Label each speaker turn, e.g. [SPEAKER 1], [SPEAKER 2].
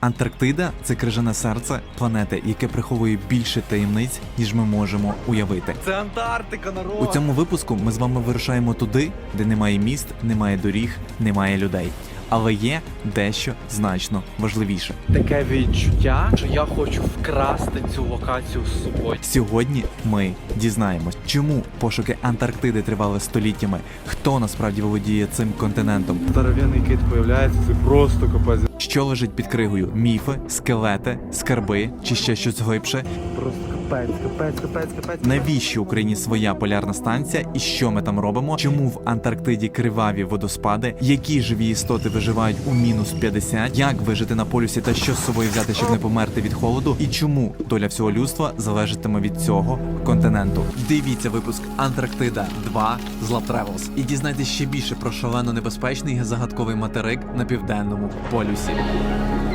[SPEAKER 1] Антарктида – це крижане серце планети, яке приховує більше таємниць, ніж ми можемо уявити.
[SPEAKER 2] Це Антарктика, народ!
[SPEAKER 1] У цьому випуску ми з вами вирушаємо туди, де немає міст, немає доріг, немає людей. Але є дещо значно важливіше.
[SPEAKER 2] Таке відчуття, що я хочу вкрасти цю локацію з собою.
[SPEAKER 1] Сьогодні ми дізнаємось, чому пошуки Антарктиди тривали століттями, хто насправді володіє цим континентом,
[SPEAKER 2] Здоровенний кит появляється, це просто капець.
[SPEAKER 1] що лежить під кригою – міфи, скелети, скарби чи ще щось глибше.
[SPEAKER 2] Просто капець.
[SPEAKER 1] Навіщо Україні своя полярна станція і що ми там робимо? Чому в Антарктиді криваві водоспади? Які живі істоти виживають у мінус 50? Як вижити на полюсі та що з собою взяти, щоб не померти від холоду? І чому доля всього людства залежатиме від цього континенту? Дивіться випуск Антарктида 2 з Love Travels і дізнайтесь ще більше про шалено небезпечний і загадковий материк на південному полюсі.